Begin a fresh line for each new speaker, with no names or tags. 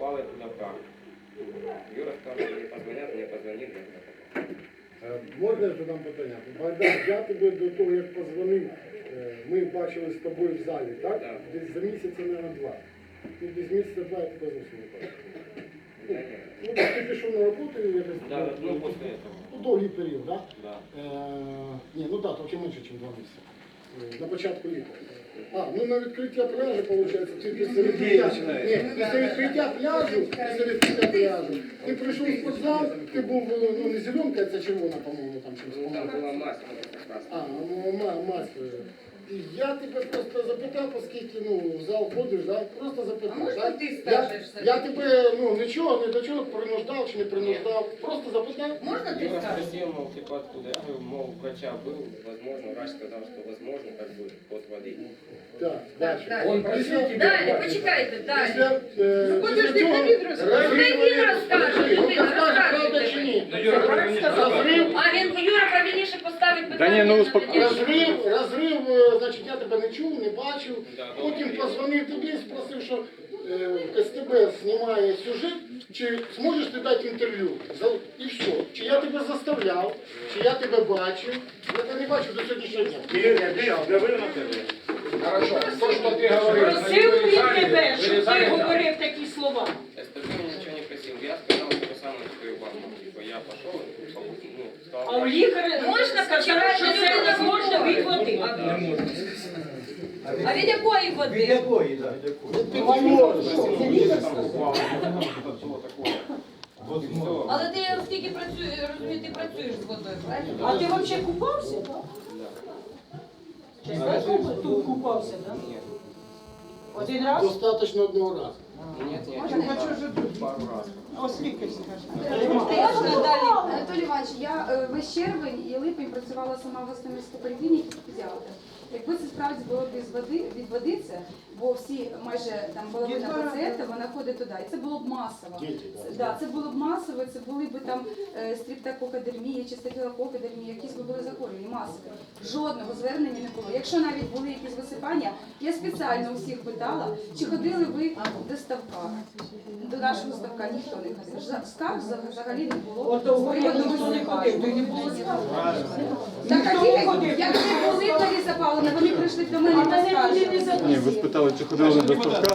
попали туда как. Юра сказал, что не позвонят, мне позвонит, я туда попал.
Можна я задам питання? Богдан, я тебе до того, як позвонив, ми бачили з тобою в залі, так?
Так.
Десь за місяця, мабуть, два. Ну, десь місяця два я тебе зовсім не бачив.
Да нет.
Ну, так ти пішов на роботу і якось...
Да, ну после этого.
Ну, довгий період, так?
Да.
Ні, ну так, трохи менше, ніж 2 місяці. На початку літа. Ну на відкриття пляжу, виходить, ти після відкриття, після відкриття пляжу, ти прийшов в спортзал, ти був, ну не зеленка, це червона, по-моєму, там чимось.
Ну там была масса как раз.
Мать. І я тебе просто запитав, оскільки, в зал ходиш, да? Просто запитав.
А можна
да?
ти скажеш?
Я тебе, ні до чого принуждав чи не принуждав, просто запитав.
Можна ти
Юра
скажеш?
спросил, мол, типа откуда? Я говорю, мол, у врача был, возможно, врач сказал, что возможно, как бы, от воды.
Так,
Так,
далі.
далі.
Он просив тебе.
Далі, почекайте, далі.
Після
Подожди,
цього
хай він розкаже. Хай він розкаже,
Він
людина,
розкаже, правда
розкаже.
чи ні?
Розрив. А він Юра правильніше поставить питання.
Да ні, ну,
на
успокойся.
тоді.
Розрив, значить, я тебе не чув, не бачив. Потім позвонив тобі і спросив, що СТБ знімає сюжет, чи зможеш ти дати інтерв'ю? І все. Чи я тебе заставляв, чи я тебе бачив. Я тебе не бачив до сьогоднішнього дня.
Хорошо, то, что ты говоришь,
Просив він тебе, щоб ти говорив такі слова.
СТБ ничего не просил. Я сказал, что сам свою банку. Типа я пошел, ну, сказал,
А у лікаря
Можна
сказали,
почекати,
що
що
це
це
невозможно від води.
А від якої води? Але ти оскільки працюєш, розумію, ти працюєш з водою, правильно?
А ти взагалі купався? Чесно, тут купався, так?
Нет.
Один раз?
Достатньо одного разу.
Нет, нет,
Можна?
нет, пару раз.
Оскільки скажеш?
Можна далі?
Анатолій Іванович, я весь червень і липень працювала сама в Гостомельській поліклініці педіатр. Якби це справді було б від води це, бо всі, майже там половина пацієнтів, вона ходить туди. І це було б масово. Це було б масово, це були б там стрептококодермія чи стафілококодермія, якісь би були захворювання, масові. Жодного звернення не було. Якщо навіть були якісь висипання, я спеціально усіх питала, чи ходили ви до ставка. До нашого ставка ніхто не ходив. Скарг взагалі не було.
От того ніхто не ходив, то й не було скарг.
Так, а як ви були, Лариса Павловна, вони прийшли до мене
А мене
поскаржили.
туди не
Ні, ви
запустили.
спитали, чи ходили до ставка?